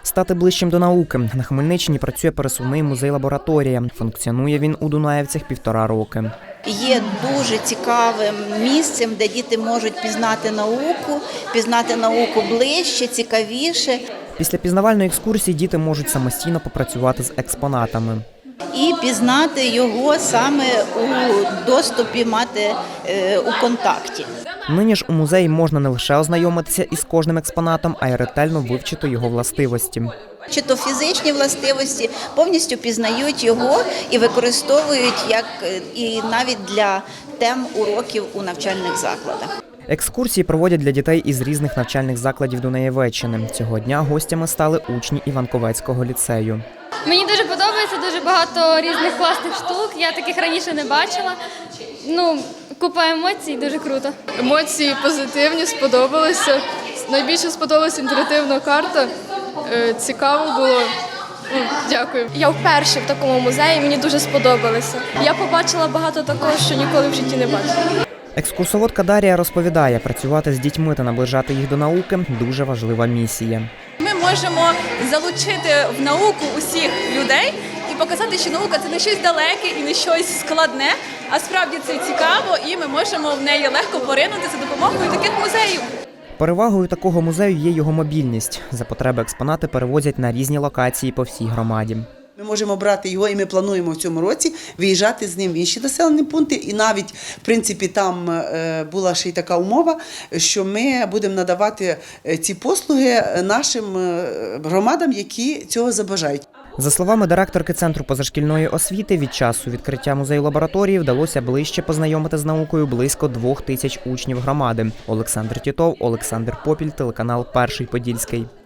Стати ближчим до науки. На Хмельниччині працює пересувний музей-лабораторія. Функціонує він у Дунаєвцях 1,5 роки. Є дуже цікавим місцем, де діти можуть пізнати науку ближче, цікавіше. Після пізнавальної екскурсії діти можуть самостійно попрацювати з експонатами. І пізнати його саме у доступі, мати у контакті. Нині ж у музеї можна не лише ознайомитися із кожним експонатом, а й ретельно вивчити його властивості. Чи то фізичні властивості, повністю пізнають його і використовують і навіть для тем уроків у навчальних закладах. Екскурсії проводять для дітей із різних навчальних закладів Дунаєвеччини. Цього дня гостями стали учні Іванковецького ліцею. Мені дуже подобається, дуже багато різних класних штук. Я таких раніше не бачила. Купа емоцій, дуже круто. Емоції позитивні, сподобалися. Найбільше сподобалася інтерактивна карта. Цікаво було. Дякую. Я вперше в такому музеї, мені дуже сподобалося. Я побачила багато такого, що ніколи в житті не бачила. Екскурсоводка Дар'я розповідає, працювати з дітьми та наближати їх до науки – дуже важлива місія. Ми можемо залучити в науку усіх людей і показати, що наука – це не щось далеке і не щось складне, а справді це цікаво, і ми можемо в неї легко поринути за допомогою таких музеїв. Перевагою такого музею є його мобільність. За потреби експонати перевозять на різні локації по всій громаді. Ми можемо брати його, і ми плануємо в цьому році виїжджати з ним в інші населені пункти. І навіть, в принципі, там була ще й така умова, що ми будемо надавати ці послуги нашим громадам, які цього забажають. За словами директорки Центру позашкільної освіти, від часу відкриття музею-лабораторії вдалося ближче познайомити з наукою близько 2000 учнів громади. Олександр Тітов, Олександр Попіль, телеканал «Перший Подільський».